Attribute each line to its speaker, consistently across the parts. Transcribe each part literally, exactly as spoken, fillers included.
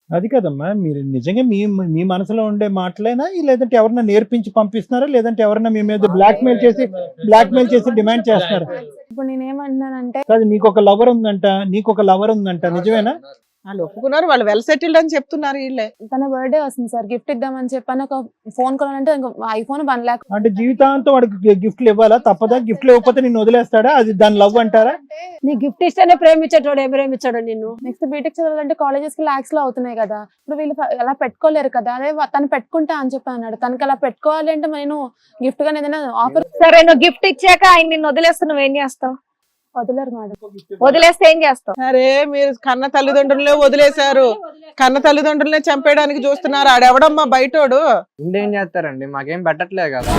Speaker 1: అది కదమ్మా, మీరు నిజంగా మీ మీ మనసులో ఉండే మాటలేనా, లేదంటే ఎవరన్నా నేర్పించి పంపిస్తున్నారా, లేదంటే ఎవరన్నా మీ మీద బ్లాక్ మెయిల్ చేసి బ్లాక్ మెయిల్ చేసి డిమాండ్ చేస్తున్నారా?
Speaker 2: ఇప్పుడు నేనేమంటున్నానంటే
Speaker 1: కాదు, నీకు ఒక లవర్ ఉందంట, నీకు ఒక లవర్ ఉందంట, నిజమేనా?
Speaker 3: వాళ్ళు ఒప్పుకున్నారు, వాళ్ళు వెల్ సెటిల్డ్ అని చెప్తున్నారు వీళ్ళే.
Speaker 2: తన బర్త్డే వస్తుంది సార్, గిఫ్ట్ ఇద్దామని చెప్పాను. ఒక ఫోన్ కొనాలంటే ఐఫోన్ వన్ లాక్.
Speaker 1: అంటే జీవితాంతం వాడికి గిఫ్ట్లు ఇవ్వాలా? తప్పదా? గిఫ్ట్లు ఇవ్వకపోతే నిన్ను వదిలేస్తాడా? అది దాని లవ్ అంటారా?
Speaker 4: నీ గిఫ్ట్ ఇస్తేనే ప్రేమించేటోడు ఏం ప్రేమించాడు నిన్ను?
Speaker 2: నెక్స్ట్ బీటెక్ చదవాలంటే కాలేజెస్ కి లాక్స్ లో అవుతున్నాయి కదా, ఇప్పుడు వీళ్ళు అలా పెట్టుకోలేరు కదా. అదే వ- తను పెట్టుకుంటా అని చెప్పి అన్నాడు. తనకి అలా పెట్టుకోవాలి అంటే నేను గిఫ్ట్ గా ఏదైనా ఆఫర్
Speaker 5: సరే, నువ్వు గిఫ్ట్ ఇచ్చాక ఆయన నిన్ను వదిలేస్తే నువ్వేం చేస్తావు?
Speaker 2: వదలరు మేడం.
Speaker 5: వదిలేస్తే ఏం చేస్తావు?
Speaker 3: సరే, మీరు కన్న తల్లిదండ్రులనే వదిలేశారు, కన్న తల్లిదండ్రులనే చంపేయడానికి చూస్తున్నారు. ఆడెవడమ్మా బయటోడు?
Speaker 6: ఇంకేం చేస్తారండి, మాకేం పెట్టట్లేదు కదా.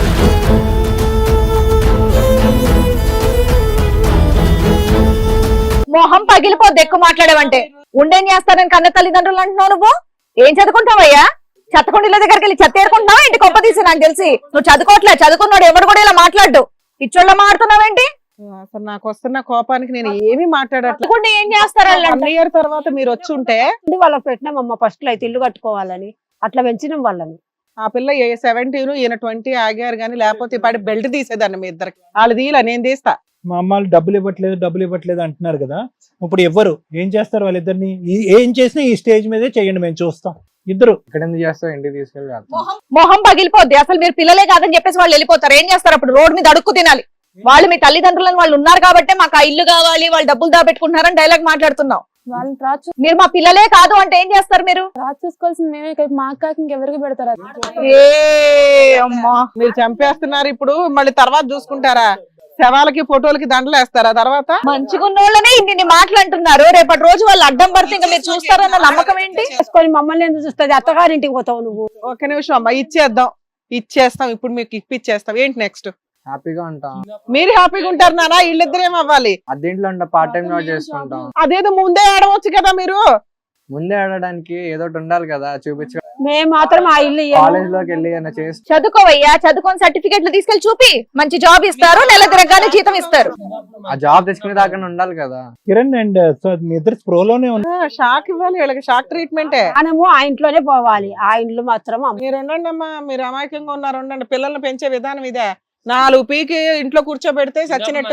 Speaker 5: మొహం పగిలిపోద్ది ఎక్కువ మాట్లాడేవంటే. ఉండేం చేస్తానని కన్న తల్లిదండ్రులు అంటున్నావు నువ్వు? ఏం చదువుకుంటావయ్యా? చెత్తకుండీల దగ్గరికి వెళ్ళి చెత్త ఏరుకుంటున్నావా ఇంటి గొప్ప తీసి? నాకు తెలిసి నువ్వు చదువుకోవట్లే. చదువుకున్నాడు ఎవడు కూడా ఇలా మాట్లాడు. ఇచ్చోళ్ళ మాట్లాడుతున్నావేంటి?
Speaker 3: అసలు నాకు వస్తున్న కోపానికి నేను ఏమీ మాట్లాడట్లేదు.
Speaker 5: చదువుకుంటే ఏం చేస్తారు వాళ్ళు?
Speaker 3: వన్ ఇయర్ తర్వాత మీరు వచ్చి ఉంటే
Speaker 4: వాళ్ళకి పెట్టినామమ్మ ఫస్ట్ లో అయితే ఇల్లు కట్టుకోవాలని, అట్లా పెంచినాం వాళ్ళని.
Speaker 3: ఆ పిల్ల ఏ సెవెంటీన్ ఈయన ట్వంటీ ఆగారు కానీ లేకపోతే పడి బెల్ట్ తీసేదాన్ని మీ ఇద్దరికి. వాళ్ళు తీయలే, నేను తీస్తా.
Speaker 1: మా అమ్మాళ్ళు డబ్బులు ఇవ్వట్లేదు డబ్బులు ఇవ్వట్లేదు అంటున్నారు కదా, ఇప్పుడు ఎవ్వరు ఏం చేస్తారు? వాళ్ళిద్దరిని ఈ- ఏం చేసినా ఈ స్టేజ్ మీదే చేయండి, మేము చూస్తాం. ఇద్దరు
Speaker 6: ఇక్కడ ఎందుకు చేస్తావు, ఇంటికి తీసుకెళ్ళి చేస్తాం.
Speaker 5: మొహం పగిలిపోద్ది. అసలు మీరు పిల్లలే కాదని చెప్పేసి వాళ్ళు వెళ్ళిపోతారు. ఏం చేస్తారు అప్పుడు? రోడ్ మీద అడుక్కు తినాలి. వాళ్ళు మీ తల్లిదండ్రులను వాళ్ళు ఉన్నారు కాబట్టి మాకు ఆ ఇల్లు కావాలి, వాళ్ళు డబ్బులు దాపెట్టుకుంటున్నారని డైలాగ్ మాట్లాడుతున్నావు.
Speaker 2: వాళ్ళని రాజు
Speaker 5: మీరు మా పిల్లలే కాదు అంటే ఏం చేస్తారు మీరు?
Speaker 2: రాజు చూసుకోవాల్సింది మేమే కదా, మా అక్కకి ఇంకెవరికి పెడతారు అది?
Speaker 5: ఏ అమ్మా,
Speaker 3: మీరు చంపేస్తున్నారు ఇప్పుడు, మళ్ళీ తర్వాత చూసుకుంటారా? శవాలకి ఫోటోలకి దండలు వేస్తారా తర్వాత?
Speaker 5: మంచిగున్నోళ్ళనే ఇన్ని మాటలు అంటున్నారు. రేపటి రోజు వాళ్ళు అడ్డం పడితే ఇంకా మీరు చూస్తారన్న నమ్మకం ఏంటి?
Speaker 4: చేసుకొని మమ్మల్ని ఎందుకు చూస్తుంది? అత్తగారింటికి పోతావు నువ్వు.
Speaker 3: ఒక్క నిమిషం అమ్మా, ఇచ్చేద్దాం, ఇచ్చేస్తాం. ఇప్పుడు మీకు ఇప్పిచ్చేస్తాం. ఏంటి నెక్స్ట్?
Speaker 6: హ్యాపీగా ఉంటాం.
Speaker 3: మీరు హ్యాపీగా ఉంటారు నానా, వీళ్ళిద్దరు ఏం అవ్వాలి?
Speaker 6: అద్దెంట్లో ఉంటా, పార్ట్ టైం జాబ్ చేసుకుంటాం.
Speaker 3: అదేదో ముందే ఆడవచ్చు కదా మీరు.
Speaker 6: ముందే ఆడడానికి ఏదో ఒకటి ఉండాలి కదా, చూపించు.
Speaker 4: మేము మాత్రం ఆ ఇల్లు ఇయ్యము.
Speaker 6: కాలేజ్ లోకి వెళ్ళి ఏమైనా చేసి
Speaker 5: చదువుకోవయ్యా, చదువుకొని సర్టిఫికెట్లు తీసుకెళ్లి చూపి. మంచి జాబ్ ఇస్తారు, నెల తిరగగానే జీతం ఇస్తారు.
Speaker 6: ఆ జాబ్ తెచ్చుకునే దాకా ఉండాలి కదా.
Speaker 1: కిరణ్ అండ్ సో మీ ఇద్దరు స్ప్రోలోనే ఉన్నారు.
Speaker 3: ఆ, షాక్ ఇవ్వాలి వీళ్ళకి, షాక్ ట్రీట్మెంటే.
Speaker 4: మనము ఆ ఇంట్లోనే పోవాలి, ఆ ఇంట్లో మాత్రం అమ్మ.
Speaker 3: మీరు ఉండండి అమ్మా, మీరు అమాయకంగా ఉన్నారు, ఉండండి. పిల్లల్ని పెంచే విధానం ఇదే. నాలుగు పీకి ఇంట్లో కూర్చోబెడితే చచ్చినట్టు.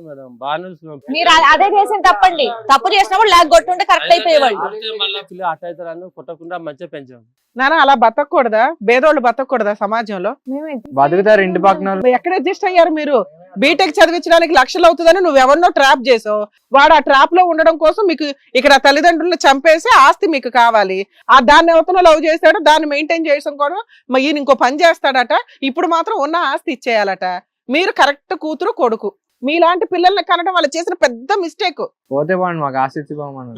Speaker 5: మీరు అ- అదే చేసిన తప్పండి. తప్పు చేసినప్పుడు లాగ్ కొట్టుంటే కరెక్ట్ అయిపోయేవాళ్ళు.
Speaker 7: కొట్టకుండా మంచిగా పెంచాం.
Speaker 3: నానా అలా బతకూడదా? బేదోళ్ళు బతకూడదా సమాజంలో?
Speaker 2: మేమే
Speaker 6: బతుకుతారు ఇంటి పక్కన వాళ్ళు.
Speaker 3: ఎక్కడ అడ్జస్ట్ అయ్యారు మీరు? బీటెక్ చదివించడానికి లక్షలు అవుతుందని నువ్వు ఎవరినో ట్రాప్ చేసావు. వాడు ఆ ట్రాప్ లో ఉండడం కోసం మీకు ఇక్కడ తల్లిదండ్రులను చంపేసి ఆస్తి మీకు కావాలి. ఆ దాన్ని ఎవరితో లవ్ చేస్తాడు, దాన్ని మెయింటైన్ చేయడం కూడా మరి ఈయన ఇంకో పని చేస్తాడట. ఇప్పుడు మాత్రం ఉన్న ఆస్తి ఇచ్చేయాలట. మీరు కరెక్ట్ కూతురు కొడుకు. మీలాంటి పిల్లల్ని కనడం వాళ్ళు చేసిన పెద్ద మిస్టేక్.
Speaker 6: పోతే బాగుంది, మాకు ఆస్తి ఇచ్చిపోమని.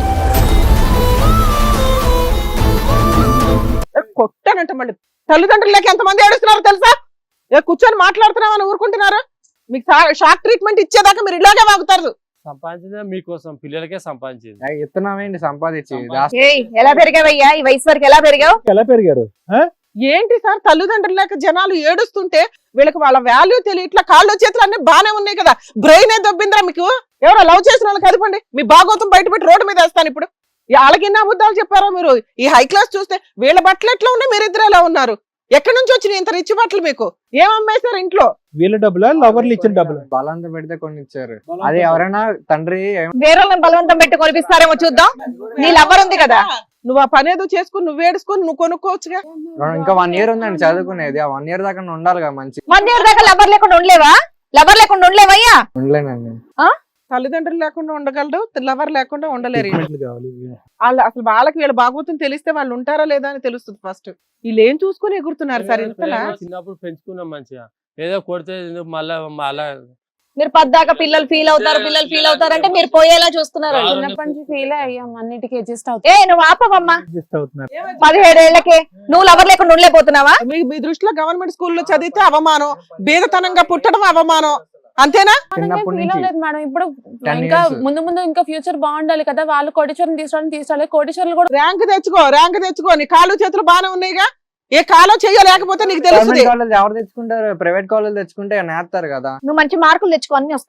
Speaker 3: కొట్టానంట మళ్ళీ. తల్లిదండ్రులకి ఎంతమంది ఏడుస్తున్నారో తెలుసా? ఏ కూర్చొని మాట్లాడుతున్నామని ఊరుకుంటున్నారా? మీకు షాక్ ట్రీట్మెంట్ ఇచ్చేదాకా మీరు ఇలాగే వాగుతారు.
Speaker 7: సంపాదించిందే మీకోసం, పిల్లలకే సంపాదించింది.
Speaker 6: ఇస్తున్నామేంటి సంపాదించి?
Speaker 5: ఏయ్, ఎలా పెరిగావయ్యా? ఈ వయసు వరకు ఎలా పెరిగావు?
Speaker 1: ఎలా పెరిగారు?
Speaker 3: ఏంటి సార్, తల్లిదండ్రులు లేక జనాలు ఏడుస్తుంటే వీళ్ళకి వాళ్ళ వాల్యూ తెలియ ఇట్లా కాళ్ళు చేతులు అన్ని బానే ఉన్నాయి కదా, బ్రెయిన్ ఏ దొబ్బిందిరా మీకు? ఎవరో లవ్ చేసిన వాళ్ళకి కదపండి, మీ భాగోతం బయట పెట్టి రోడ్డు మీద వేస్తాను ఇప్పుడు. వాళ్ళకి ఎన్ని అబద్ధాలు చెప్పారా మీరు? ఈ హై క్లాస్ చూస్తే వీళ్ళ బట్టలు ఎట్లా ఉన్నాయి, మీరిద్దరు ఎలా ఉన్నారు? ఎక్కడి నుంచి వచ్చినాయి ఇంత రిచ్ బట్టలు మీకు? ఏం అమ్మేశారు ఇంట్లో?
Speaker 1: వీళ్ళ డబ్బులా, లవర్లు ఇచ్చిన డబ్బులు?
Speaker 6: బలంతో పెడితే కొన్ని ఇచ్చారు. అది ఎవరైనా తండ్రి
Speaker 5: వేరే బలవంతం పెట్టి కొనిపిస్తారేమో చూద్దాం. నీ లవ్వర్ ఉంది కదా,
Speaker 3: నువ్వు ఆ పని ఏదో చేసుకుని నువ్వు ఏడుచుకుని నువ్వు కొనుక్కోవచ్చుగా.
Speaker 6: ఇంకా వన్ ఇయర్ ఉందండి చదువుకునేది. ఆ వన్ ఇయర్ దాకా ఉండాలి కదా మంచి.
Speaker 5: వన్ ఇయర్ దాకా లవ్వర్ లేకుండా ఉండలేవా? లవ్వర్ లేకుండా ఉండలేవయ్యా?
Speaker 6: ఉండలేనండి.
Speaker 3: తల్లిదండ్రులు లేకుండా ఉండగలరు, లవర్ లేకుండా ఉండలేరు.
Speaker 1: ట్రీట్మెంట్లు కావాలి.
Speaker 3: వాళ్ళు అసలు వాళ్ళకి వీళ్ళ భాగవతం తెలిస్తే వాళ్ళు ఉంటారా లేదా అని తెలుస్తుంది ఫస్ట్. వీళ్ళు ఏం చూసుకుని ఎగురుతున్నారు సార్ ఇంతలా?
Speaker 7: చిన్నప్పుడు పెంచుకున్నాం మంచిగా, ఏదో కొడితే మళ్ళా మళ్ళా
Speaker 5: మీరు పద్దాక పిల్లలు ఫీల్ అవుతారు, పిల్లలు ఫీల్ అవుతారు అంటే మీరు పోయేలా చూస్తున్నారు.
Speaker 2: చిన్నప్పటి నుంచి ఫీల్ అయ్యాం, అన్నిటికీ అడ్జస్ట్ అవుతాం.
Speaker 5: ఏ నువ్వు ఆపవమ్మా,
Speaker 1: అడ్జస్ట్ అవుతున్నారు.
Speaker 5: పదిహేడేళ్లకే నువ్వు లవర్ లేకుండా ఉండలేకపోతున్నావా?
Speaker 3: మీ మీ దృష్టిలో గవర్నమెంట్ స్కూల్లో చదివితే అవమానం, బీదతనంగా పుట్టడం అవమానం, అంతేనా?
Speaker 6: చిన్నప్పటి
Speaker 2: ఫీల్
Speaker 6: నుంచి
Speaker 2: అవ్వలేదు మేడం. ఇప్పుడు
Speaker 6: ten
Speaker 2: ఇంకా
Speaker 6: years.
Speaker 2: ముందు ముందు ఇంకా ఫ్యూచర్ బాగుండాలి కదా, వాళ్ళు కోటీశ్వరం తీసుకోవడానికి తీసుకోవాలి. కోటీశ్వరులు కూడా
Speaker 3: ర్యాంక్ తెచ్చుకో, ర్యాంక్ తెచ్చుకో. నీ కాళ్ళు చేతులు బాగానే ఉన్నాయిగా, ఏ కాలో చెయ్యలేకపోతే నీకు తెలుస్తుంది.
Speaker 6: గవర్నమెంట్ కాలేజ్ ఎవరు తెచ్చుకుంటారు? ప్రైవేట్ కాలేజ్ తెచ్చుకుంటే నేస్తారు కదా.
Speaker 5: నువ్వు మంచి మార్కులు తెచ్చుకో, అన్ని వస్తాయి.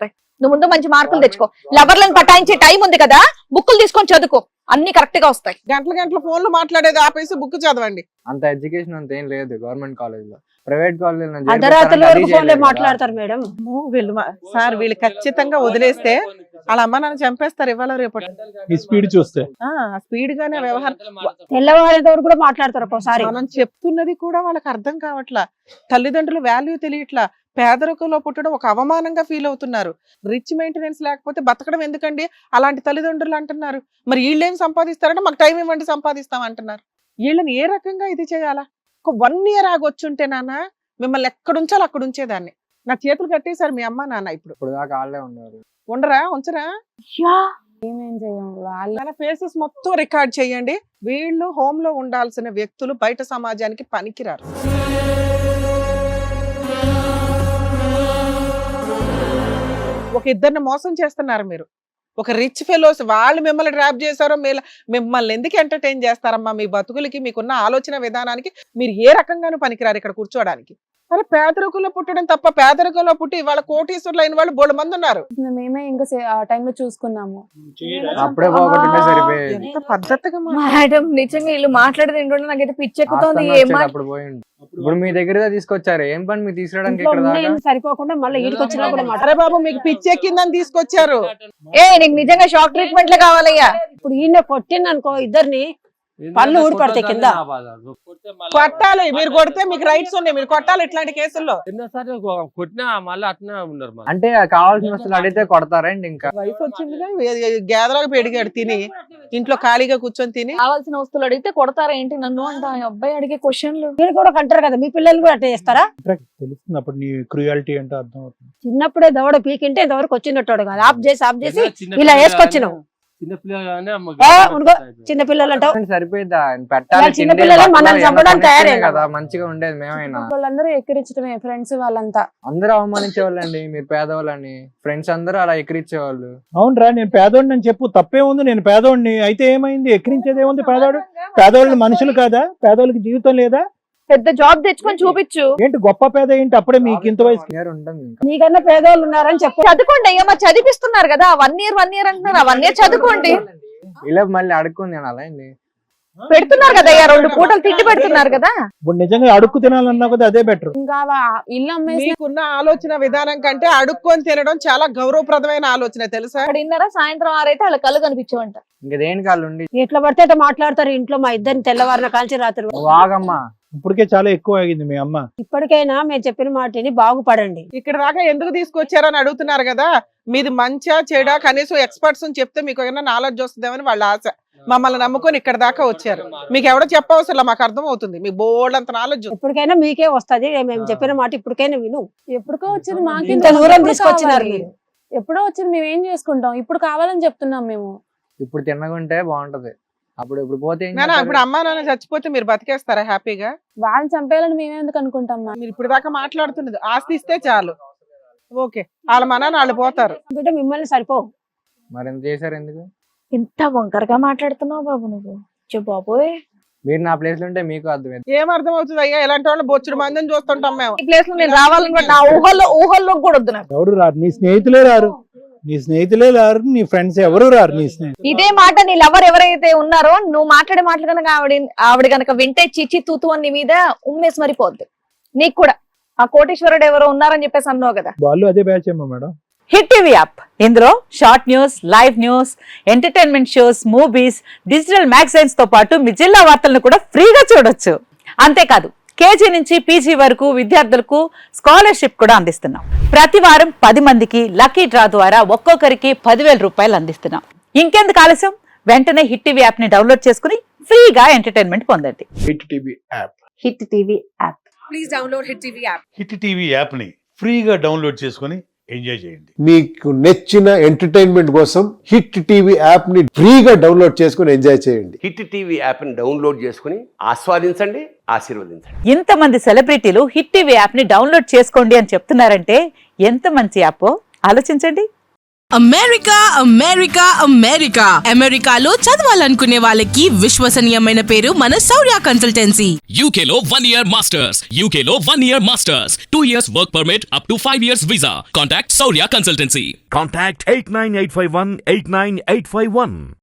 Speaker 5: నువ్వు ముందు మంచి మార్కులు తెచ్చుకో. లవర్లను పటాయించే టైం ఉంది కదా, బుక్కులు తీసుకొని చదువుకో, అన్ని కరెక్ట్ గా వస్తాయి.
Speaker 3: గంటల గంటల ఫోన్లు మాట్లాడేది ఆపేసి బుక్ చదవండి.
Speaker 6: అంత ఎడ్యుకేషన్ అంత ఏం లేదు గవర్నమెంట్ కాలేజ్ లో. ప్రైవేట్ కాలేజ్
Speaker 4: అర్ధరాత్రుల వరకు ఫోన్లే మాట్లాడతారు మేడం.
Speaker 3: అమ్మో, వీళ్ళు మా- సార్ వీళ్ళు ఖచ్చితంగా వదిలేస్తే వాళ్ళ అమ్మ నన్ను చంపేస్తారు ఇవాళ రేపటి.
Speaker 1: ఈ స్పీడ్ చూస్తే
Speaker 3: ఆ స్పీడ్ గానే వ్యవహారం.
Speaker 4: తెల్లవారేంత వరకు కూడా మాట్లాడతారు ఒక్కోసారి.
Speaker 3: మనం చెప్తున్నది కూడా వాళ్ళకి అర్థం కావట్లా. తల్లిదండ్రుల వాల్యూ తెలియట్లా. పేదరికంలో పుట్టడం ఒక అవమానంగా ఫీల్ అవుతున్నారు. రిచ్ మెయింటెనెన్స్ లేకపోతే బతకడం ఎందుకండి అలాంటి తల్లిదండ్రులు అంటున్నారు. మరి వీళ్ళేం సంపాదిస్తారంటే మాకు టైం ఇవ్వండి సంపాదిస్తాం అంటున్నారు. వీళ్ళని ఏ రకంగా ఇది చేయాలా? ఒక వన్ ఇయర్ ఆగొచ్చుంటే నాన్న మిమ్మల్ని ఎక్కడుంచాలో అక్కడ ఉంచేదాన్ని. నా చేతులు కట్టేశారు మీ అమ్మ నాన్న. ఇప్పుడు
Speaker 6: ఇప్పుడు దాకా వాళ్ళే ఉన్నారు.
Speaker 3: ఉండరా ఉంచరా?
Speaker 2: ఏమేం చేయం వాళ్ళు.
Speaker 3: వాళ్ళ ఫేసెస్ మొత్తం రికార్డ్ చేయండి. వీళ్ళు హోమ్ లో ఉండాల్సిన వ్యక్తులు బయట సమాజానికి పనికిరారు. ఒక ఇద్దరిని మోసం చేస్తున్నారు మీరు. ఒక రిచ్ ఫెలోస్ వాళ్ళు మిమ్మల్ని ట్రాప్ చేశారో మీరు మిమ్మల్ని ఎందుకు ఎంటర్టైన్ చేస్తారమ్మా? మీ బతుకులకి మీకున్న ఆలోచన విధానానికి మీరు ఏ రకంగానూ పనికిరారు ఇక్కడ కూర్చోడానికి. అరే పేదరికంలో పుట్టడం తప్ప పేదరికంలో పుట్టి వాళ్ళ కోటీశ్వరులు అయిన వాళ్ళు బోడు మంది ఉన్నారు.
Speaker 2: మేమే ఇంకా సే- ఆ టైంలో చూసుకున్నాము.
Speaker 6: అప్పుడే పోగొట్టుంటే సరిపోయేది.
Speaker 3: ఎంత పద్ధతిగా మా-
Speaker 5: మేడం నిజంగా వీళ్ళు మాట్లాడేది ఏంటంటే నాకైతే పిచ్చెక్కుతోంది.
Speaker 6: ఆస్తంగా
Speaker 5: ఏం
Speaker 6: వచ్చేది
Speaker 5: మా-
Speaker 6: అప్పుడు పోయిండు. ఇప్పుడు మీ దగ్గర తీసుకొచ్చారు. ఏం పని మీరు తీసుకురావడానికి
Speaker 4: ఇంట్లో
Speaker 6: ఇక్కడ దాకా?
Speaker 4: ఉండేది సరిపోకుండా మళ్ళీ ఇంటికి వచ్చినా కూడా మాట్లాడారు.
Speaker 3: అరే బాబు మీకు పిచ్చెక్కిందని తీసుకొచ్చారు.
Speaker 5: ఏ నీకు నిజంగా షాక్ ట్రీట్మెంట్లే కావాలయ్యా.
Speaker 4: ఇప్పుడు ఈయన కొట్టింది అనుకో ఇద్దరిని, పళ్ళు ఊడిపడతాయి కింద.
Speaker 3: కొట్టాలి. మీరు కొడితే మీకు రైట్స్ ఉన్నాయి. మీరు కొట్టాలి ఇట్లాంటి కేసుల్లో.
Speaker 7: ఎన్నోసార్లు కొట్టినా మళ్ళీ అట్నే ఉన్నారు మరి.
Speaker 6: అంటే కావాల్సిన వస్తువులు అడిగితే కొడతారండి. ఇంకా
Speaker 3: వయసు వచ్చిందిగా గేదలాగా పెడిగాడు తిని ఇంట్లో ఖాళీగా కూర్చొని తిని.
Speaker 5: కావాల్సిన వస్తువులు అడిగితే కొడతారా ఏంటి నన్ను అంట ఆ అబ్బాయి అడిగే క్వశ్చన్లు.
Speaker 4: మీరు కూడా కంటారు కదా, మీ పిల్లలు కూడా అట్లా చేస్తారా?
Speaker 1: తెలుస్తుంది అప్పుడు నీ క్రూయాలిటీ ఏంటో అర్థం అవుతుంది.
Speaker 4: చిన్నప్పుడే దవడ పీకింటే ఇంతవరకు వచ్చినట్టు కాదు. ఆఫ్ చేసి ఆఫ్ చేసి
Speaker 7: చిన్న
Speaker 4: ఇలా
Speaker 7: పిల్లగానే-
Speaker 4: వేసుకొచ్చినాం.
Speaker 7: చిన్న పిల్లగానే అమ్మ
Speaker 4: ఏ,
Speaker 7: గట్టిగా
Speaker 4: ఉనుకో.
Speaker 7: పెడతాయి.
Speaker 4: చిన్న పిల్లలు అంటావు.
Speaker 6: సరిపోయిందా? పెట్టాలి,
Speaker 4: చిన్న
Speaker 6: తిండి,
Speaker 4: పిల్లలే
Speaker 6: బట్టలు,
Speaker 4: మనల్ని
Speaker 6: ఏమన్నా
Speaker 4: చంపడానికి
Speaker 6: కొనిస్తేనే
Speaker 4: తయారయ్యారు.
Speaker 6: కదా మంచిగా ఉండేది. మేమైనా
Speaker 2: వాళ్ళందరూ ఎక్కిరించడమే ఫ్రెండ్స్ వాళ్ళంతా.
Speaker 6: అందరూ అవమానించే వాళ్ళండి. మీరు పేదవాళ్ళని ఫ్రెండ్స్ అందరూ అలా ఎక్కిరించేవాళ్ళు.
Speaker 1: అవునరా, నేను పేదోడిని అని చెప్పు, తప్పే ఉంది. నేను పేదోడిని అయితే ఏమైంది? ఎక్కిరించేది ఏముంది? పేదోడు పేదోళ్ళు మనుషులు కాదా? పేదోళ్ళకి జీవితం లేదా?
Speaker 5: పెద్ద జాబ్ తెచ్చుకొని చూపించు.
Speaker 1: ఏంటి గొప్ప పేద ఏంటి? అప్పుడే మీకు ఇంత వయసు.
Speaker 6: ఇయర్ ఉంటుంది ఇంకా.
Speaker 4: నీకన్నా పేదవాళ్ళు ఉన్నారని చెప్పు.
Speaker 5: చదువుకోండి అయ్యా, మరి చదివిస్తున్నారు కదా. వన్ ఇయర్ వన్ ఇయర్ అంటున్నారు. ఆ వన్ ఇయర్ చదువుకోండి.
Speaker 6: ఇలా మళ్ళీ అడుక్కుంది నేను అలా అండి.
Speaker 5: పెడుతున్నారు కదా అయ్యా, రెండు పూటలు తిండి పెడుతున్నారు కదా.
Speaker 1: ఇప్పుడు నిజంగా అడుక్కు తినాలన్నా కూడా అదే బెటర్.
Speaker 2: ఇంకా వా- ఇల్లు అమ్మేసి
Speaker 3: మీకున్న ఆలోచన విధానం కంటే అడుక్కొని తినడం చాలా గౌరవప్రదమైన ఆలోచన తెలుసా?
Speaker 5: అక్కడ ఇన్నారా సాయంత్రం ఆరైతే వాళ్ళ కళ్ళు కనిపించవంట.
Speaker 6: ఇంకా దేనికి వాళ్ళు ఉండి
Speaker 4: ఎట్లా పడితే అట్లా మాట్లాడతారు ఇంట్లో. మా ఇద్దరిని తెల్లవారిన కాల్చి రాత్రి వరకు.
Speaker 6: నువ్వు ఆగమ్మా.
Speaker 1: ఇప్పటికే చాలా ఎక్కువ ఆగింది మీ అమ్మ.
Speaker 4: ఇప్పటికైనా మేము చెప్పిన మాటని బాగుపడండి.
Speaker 3: ఇక్కడ దాకా ఎందుకు తీసుకొచ్చారని అడుగుతున్నారు కదా. మీది మంచా చెడా కనీసం ఎక్స్పర్ట్స్ అని చెప్తే మీకు ఏమైనా నాలెడ్జ్ వస్తుందేమని వాళ్ళ ఆశ. మమ్మల్ని నమ్ముకొని ఇక్కడ దాకా వచ్చారు. మీకు ఎవడో చెప్పవసరం, మాకు అర్థం అవుతుంది. మీకు బోల్డ్ అంత నాలెడ్జ్.
Speaker 4: ఎప్పటికైనా మీకే వస్తది. మేము చెప్పిన మాట ఇప్పటికైనా విను.
Speaker 2: ఎప్పుడుకో వచ్చింది మాకు
Speaker 4: ఇంత దూరం తీసుకొచ్చినారు మీరు.
Speaker 2: ఎప్పుడో వచ్చింది మేము ఏం చేసుకుంటాం? ఇప్పుడు కావాలని చెప్తున్నాం మేము.
Speaker 6: ఇప్పుడు తిన్నగుంటే బాగుంటది. అప్పుడు ఇప్పుడు పోతే ఏం
Speaker 3: నానా
Speaker 6: చేస్తారు?
Speaker 3: ఇప్పుడు అమ్మా నాన్న చచ్చిపోతే మీరు బతికేస్తారా హ్యాపీగా?
Speaker 2: వాళ్ళని చంపేయాలని మేమే ఎందుకు అనుకుంటాం?
Speaker 3: మీరు ఇప్పుడు దాకా మాట్లాడుతున్నది ఆస్తి ఇస్తే చాలు. ఓకే, వాళ్ళ మన వాళ్ళు పోతారు.
Speaker 4: బిడ్డ మిమ్మల్ని సరిపోవు.
Speaker 6: మరి ఎంత చేశారు ఎందుకు?
Speaker 5: ఎంత వంకరగా మాట్లాడుతున్నావు బాబు నువ్వు. చే బాబోయ్,
Speaker 6: మీరు నా ప్లేస్ లో ఉంటే మీకు అర్థమైంది.
Speaker 3: ఏం అర్థం అవుతుంది అయ్యా? ఇలాంటి వాళ్ళు బొచ్చుడు మందిని చూస్తుంటాం మేము.
Speaker 5: ఈ ప్లేస్ లో నేను రావాలని కూడా నా ఊహల్లో ఊహల్లో కూడా వద్దు నాకు.
Speaker 1: ఎవరు రారు, నీ స్నేహితులే రారు. నీ స్నేహితులే రారు, నీ ఫ్రెండ్స్ ఎవరు రారు. నీ స్నేహితులు
Speaker 5: ఇదే మాట నీ లవర్ ఎవరైతే ఉన్నారో నువ్వు మాట్లాడే మాటలు కనుక ఆవిడ ఆవిడ కనుక వింటే చిచ్చి తూతు అని నీ మీద ఉమ్మేసి మరిపోద్ది. నీకు కూడా ఆ కోటేశ్వరుడు ఎవరో ఉన్నారని చెప్పేసి అన్నావు కదా.
Speaker 1: వాళ్ళు అదే బ్యాచ్ ఏమో మేడం.
Speaker 8: హిట్ టీవీ యాప్, ఇందులో short news, live news, entertainment shows, movies, digital magazines తో పాటు మీ జిల్లా వార్తలను కూడా ఫ్రీగా చూడొచ్చు. అంతేకాదు కేజీ నుంచి పీజీ వరకు విద్యార్థులకు స్కాలర్షిప్ కూడా అందిస్తున్నాం. ప్రతి వారం పది మందికి లక్కీ డ్రా ద్వారా ఒక్కొక్కరికి పదివేల రూపాయలు అందిస్తున్నాం. ఇంకెందుకు ఆలస్యం, వెంటనే హిట్ టీవీ యాప్ ని డౌన్లోడ్ చేసుకుని ఫ్రీగా ఎంటర్టైన్మెంట్ పొందండి.
Speaker 9: Hit TV app.
Speaker 8: Hit TV app.
Speaker 5: Please download Hit TV app.
Speaker 9: Hit TV యాప్ని ఫ్రీగా డౌన్లోడ్ చేసుకొని ఎంజాయ్ చేయండి.
Speaker 10: మీకు నచ్చిన ఎంటర్టైన్మెంట్ కోసం హిట్ టీవీ యాప్ ని ఫ్రీగా డౌన్లోడ్ చేసుకుని ఎంజాయ్ చేయండి.
Speaker 11: హిట్ టీవీ యాప్ని డౌన్లోడ్ చేసుకుని ఆస్వాదించండి, ఆశీర్వదించండి.
Speaker 8: ఇంతమంది సెలబ్రిటీలు హిట్ టీవీ యాప్ ని డౌన్లోడ్ చేసుకోండి అని చెప్తున్నారంటే ఎంత మంచి యాప్ ఆలోచించండి.
Speaker 12: అమెరికా అమెరికా అమెరికా అమెరికాలో చదవాలనుకునే వాళ్ళకి విశ్వసనీయమైన పేరు మన శౌర్య కన్సల్టెన్సీ.
Speaker 13: యూకేలో వన్ ఇయర్ మాస్టర్స్ యూకేలో one year masters two years work permit up to five years visa. Contact Shaurya consultancy.
Speaker 14: Contact eight nine eight five one eight nine eight five one.